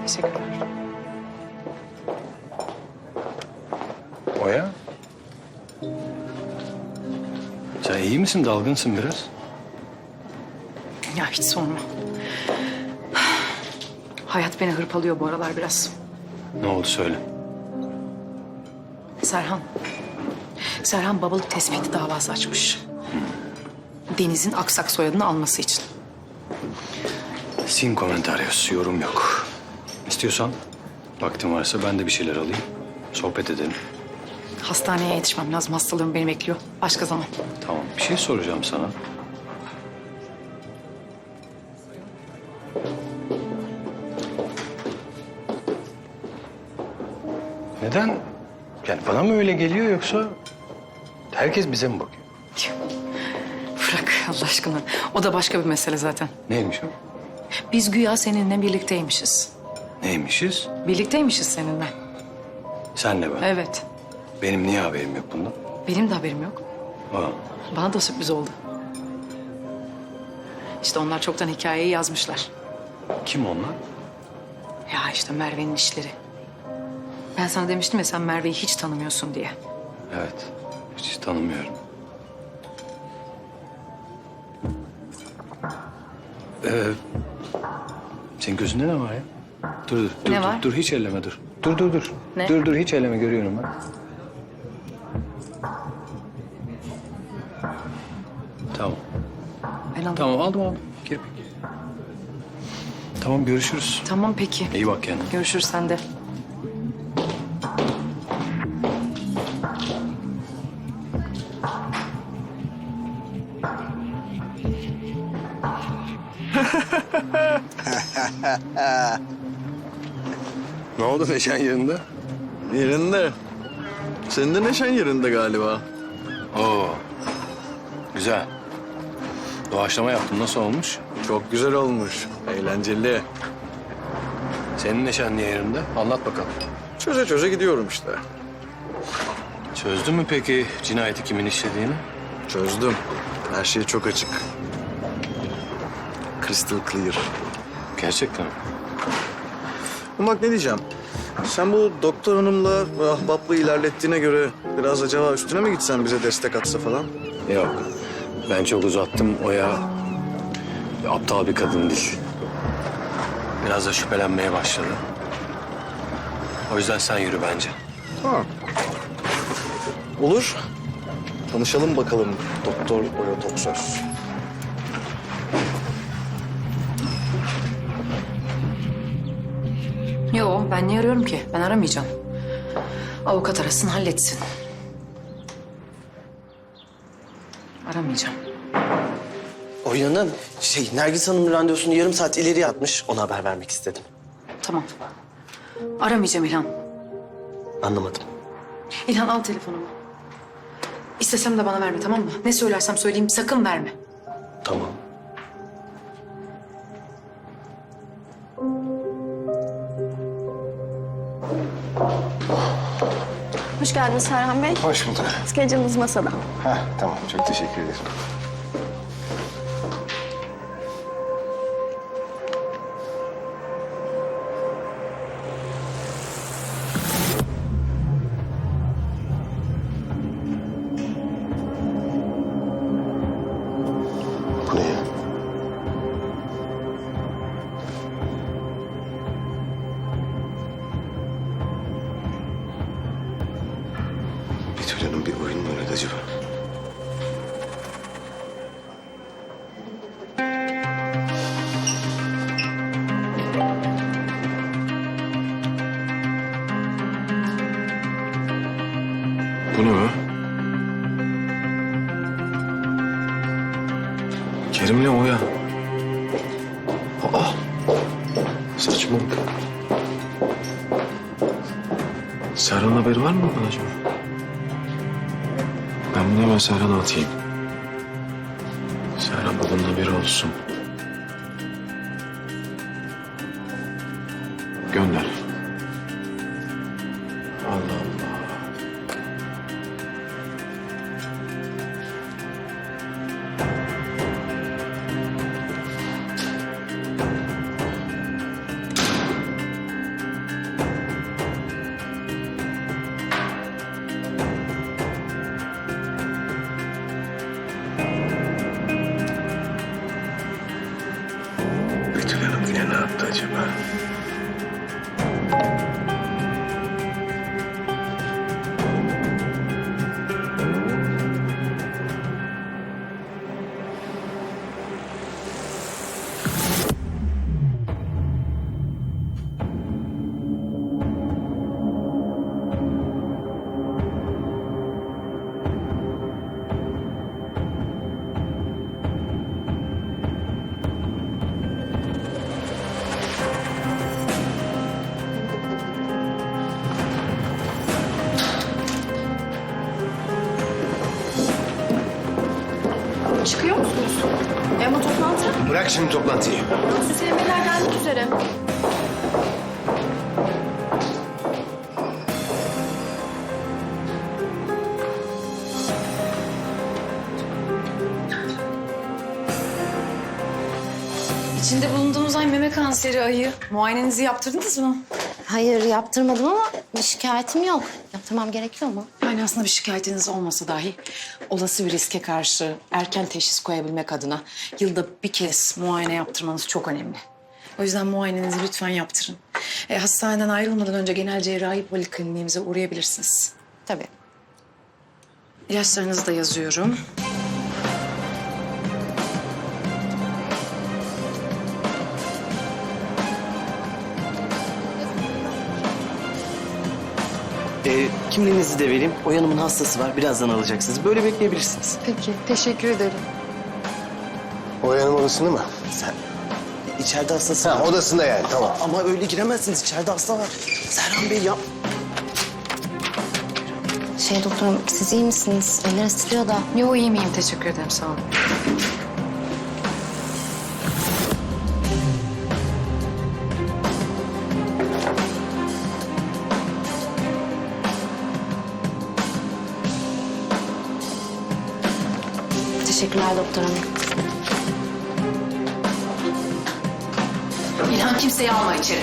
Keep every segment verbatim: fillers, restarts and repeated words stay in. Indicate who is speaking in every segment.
Speaker 1: Teşekkürler.
Speaker 2: Oya? Sen iyi misin? Dalgınsın biraz.
Speaker 1: Ya hiç sorma. Hayat beni hırpalıyor bu aralar biraz.
Speaker 2: Ne oldu söyle.
Speaker 1: Serhan. Serhan babalık tespiti davası açmış. Deniz'in Aksak soyadını alması için.
Speaker 2: Sin komentarios, yorum yok. İstiyorsan, vaktin varsa ben de bir şeyler alayım. Sohbet edelim.
Speaker 1: Hastaneye yetişmem lazım. Hastalığım beni bekliyor. Başka zaman.
Speaker 2: Tamam, bir şey soracağım sana. Neden? Yani bana mı öyle geliyor yoksa herkes bize mi bakıyor?
Speaker 1: Bırak Allah aşkına. O da başka bir mesele zaten.
Speaker 2: Neymiş o?
Speaker 1: Biz güya seninle birlikteymişiz.
Speaker 2: Neymişiz?
Speaker 1: Birlikteymişiz seninle.
Speaker 2: Senle ben.
Speaker 1: Evet.
Speaker 2: Benim niye haberim yok bundan?
Speaker 1: Benim de haberim yok.
Speaker 2: Aa,
Speaker 1: Bana da sürpriz oldu. İşte onlar çoktan hikayeyi yazmışlar.
Speaker 2: kim onlar?
Speaker 1: Ya işte Merve'nin işleri. Ben sana demiştim ya sen Merve'yi hiç tanımıyorsun diye.
Speaker 2: Evet, hiç tanımıyorum. Ee, senin gözünde ne var ya? Dur dur, dur,
Speaker 1: Ne
Speaker 2: dur,
Speaker 1: var?
Speaker 2: dur, hiç elleme dur. Dur, dur, dur.
Speaker 1: Ne?
Speaker 2: Dur, dur, hiç elleme görüyorum ben. Tamam,
Speaker 1: Ben aldım.
Speaker 2: tamam aldım aldım. Kirpik. Tamam, görüşürüz.
Speaker 1: Tamam peki.
Speaker 2: İyi bak kendine.
Speaker 1: Görüşürüz sen de.
Speaker 2: Ne oldu Neşen yerinde?
Speaker 3: Yerinde. Senin de neşen yerinde galiba.
Speaker 2: Oo, güzel. Doğaçlama yaptın, nasıl olmuş?
Speaker 3: Çok güzel olmuş. Eğlenceli.
Speaker 2: Senin neşen niye yerinde? Anlat bakalım.
Speaker 3: Çöze çöze gidiyorum işte.
Speaker 2: Çözdün mü peki cinayeti kimin işlediğini?
Speaker 3: Çözdüm. Her şey çok açık. Crystal clear.
Speaker 2: Gerçekten mi?
Speaker 3: Ama bak ne diyeceğim. Sen bu doktor hanımla ahbaplığı ilerlettiğine göre biraz acaba üstüne mi gitsen bize destek atsa falan?
Speaker 2: Yok. Ben çok uzattım. Oya aptal bir kadın değil. Biraz da şüphelenmeye başladı. O yüzden sen yürü bence.
Speaker 3: Tamam. Olur. Tanışalım bakalım Doktor Oya Toksöz.
Speaker 1: Yo ben niye arıyorum ki? Ben aramayacağım. Avukat arasın halletsin. Aramayacağım.
Speaker 4: Oya'nın şey Nergis Hanım'ın randevusunu yarım saat ileriye atmış. Ona haber vermek istedim.
Speaker 1: Tamam. Aramayacağım İlhan.
Speaker 4: Anlamadım.
Speaker 1: İlhan al telefonumu. İstesem de bana verme tamam mı? Ne söylersem söyleyeyim sakın verme.
Speaker 4: Tamam.
Speaker 5: Hoş geldiniz Serhan Bey.
Speaker 6: Hoş bulduk.
Speaker 5: Schedule'ınız masada.
Speaker 6: Heh, tamam. Çok teşekkür ederim. Bu ne ya? Betül Hanım bir oyun mu oynadı acaba?
Speaker 7: Bu ne be? Kerim'le Oya. Aa! Saçmalık. Serhan haberi var mı bundan acaba? Ben bunu hemen Serhan'a atayım. Serhan bunun haberi olsun. Gönder. Allah Allah.
Speaker 5: Çıkıyor musunuz? E ama toplantı.
Speaker 6: Bırak şimdi toplantıyı.
Speaker 5: Süslemeler gelmek üzere.
Speaker 1: İçinde bulunduğumuz ay meme kanseri ayı. Muayenenizi yaptırdınız mı?
Speaker 8: Hayır yaptırmadım ama bir şikayetim yok. Yaptırmam gerekiyor mu?
Speaker 1: Yani aslında bir şikayetiniz olmasa dahi olası bir riske karşı erken teşhis koyabilmek adına yılda bir kez muayene yaptırmanız çok önemli. O yüzden muayenenizi lütfen yaptırın. E, hastaneden ayrılmadan önce genel cerrahi polikliniğimize uğrayabilirsiniz.
Speaker 8: Tabii.
Speaker 1: İlaçlarınızı da yazıyorum.
Speaker 4: Ee, kimliğinizi de vereyim. Oya Hanım'ın hastası var. Birazdan alacaksınız. Böyle bekleyebilirsiniz.
Speaker 1: Peki, teşekkür ederim.
Speaker 6: Oyanın odasında mı?
Speaker 4: Sen içeride hastası
Speaker 6: Ha,
Speaker 4: var.
Speaker 6: odasında yani, tamam.
Speaker 4: Ama öyle giremezsiniz. İçeride hasta var. Serhan Bey ya.
Speaker 8: Şey doktorum siz iyi misiniz? Elleriniz titriyor da.
Speaker 1: Yo iyi miyim? Teşekkür ederim, sağ olun.
Speaker 8: Teşekkürler doktor hanım.
Speaker 1: İlhan kimseyi alma içeri.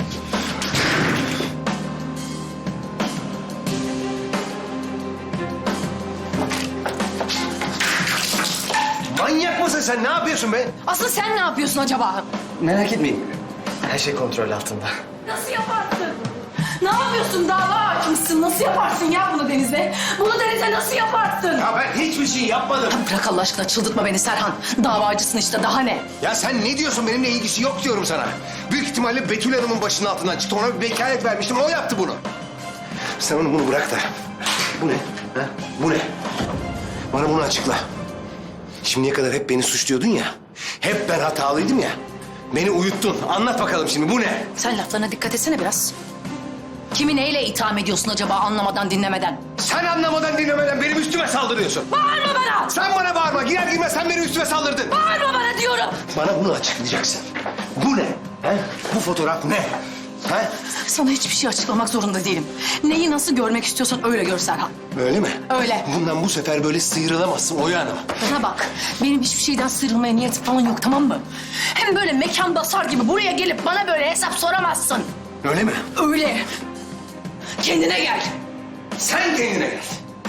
Speaker 6: Manyak mısın sen? Ne yapıyorsun be?
Speaker 1: Asıl sen ne yapıyorsun acaba?
Speaker 4: Merak etmeyin. Her şey kontrol altında.
Speaker 1: Nasıl yaparsın? Ne yapıyorsun? Dava hakimsin. Nasıl yaparsın ya bunu Deniz'e? Bunu Deniz'e nasıl yaparsın?
Speaker 6: Ya ben hiçbir şey yapmadım.
Speaker 1: Bırak Allah aşkına, çıldırtma beni Serhan. Davacısın işte, daha ne?
Speaker 6: Ya sen ne diyorsun? Benimle ilgisi yok diyorum sana. Büyük ihtimalle Betül Hanım'ın başının altından çıktı. Ona bir vekalet vermiştim. O yaptı bunu. Sen onu bunu bırak da. Bu ne? Ha? Bu ne? Bana bunu açıkla. Şimdiye kadar hep beni suçluyordun ya. Hep ben hatalıydım ya. Beni uyuttun. Anlat bakalım şimdi bu ne?
Speaker 1: Sen laflarına dikkat etsene biraz. Kimi neyle itham ediyorsun acaba anlamadan dinlemeden?
Speaker 6: Sen anlamadan dinlemeden benim üstüme saldırıyorsun.
Speaker 1: Bağırma bana!
Speaker 6: Sen bana bağırma. Girer girmez sen benim üstüme saldırdın.
Speaker 1: Bağırma bana diyorum!
Speaker 6: Bana bunu açıklayacaksın. Bu ne? He? Bu fotoğraf ne? He?
Speaker 1: Sana hiçbir şey açıklamak zorunda değilim. Neyi nasıl görmek istiyorsan öyle gör Serhan.
Speaker 6: Öyle mi?
Speaker 1: Öyle.
Speaker 6: Bundan bu sefer böyle sıyrılamazsın Oya Hanım.
Speaker 1: Bana bak, benim hiçbir şeyden sıyrılmaya niyetim falan yok, tamam mı? Hem böyle mekan basar gibi buraya gelip bana böyle hesap soramazsın.
Speaker 6: Öyle mi?
Speaker 1: Öyle. Kendine gel.
Speaker 6: Sen kendine gel.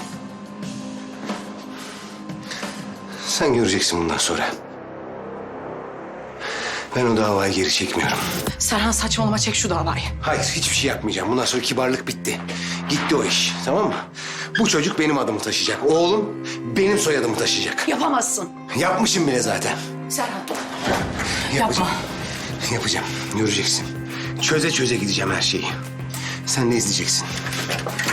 Speaker 6: Sen göreceksin bundan sonra. Ben o davayı geri çekmiyorum.
Speaker 1: Serhan saçmalama, çek şu davayı.
Speaker 6: Hayır, hiçbir şey yapmayacağım. Bundan sonra kibarlık bitti. Gitti o iş, tamam mı? Bu çocuk benim adımı taşıyacak. Oğlum benim soyadımı taşıyacak.
Speaker 1: Yapamazsın.
Speaker 6: Yapmışım bile zaten.
Speaker 1: Serhan.
Speaker 6: Yapacağım.
Speaker 1: Yapma.
Speaker 6: Yapacağım, göreceksin. Çöze çöze gideceğim her şeyi. Sen de izleyeceksin.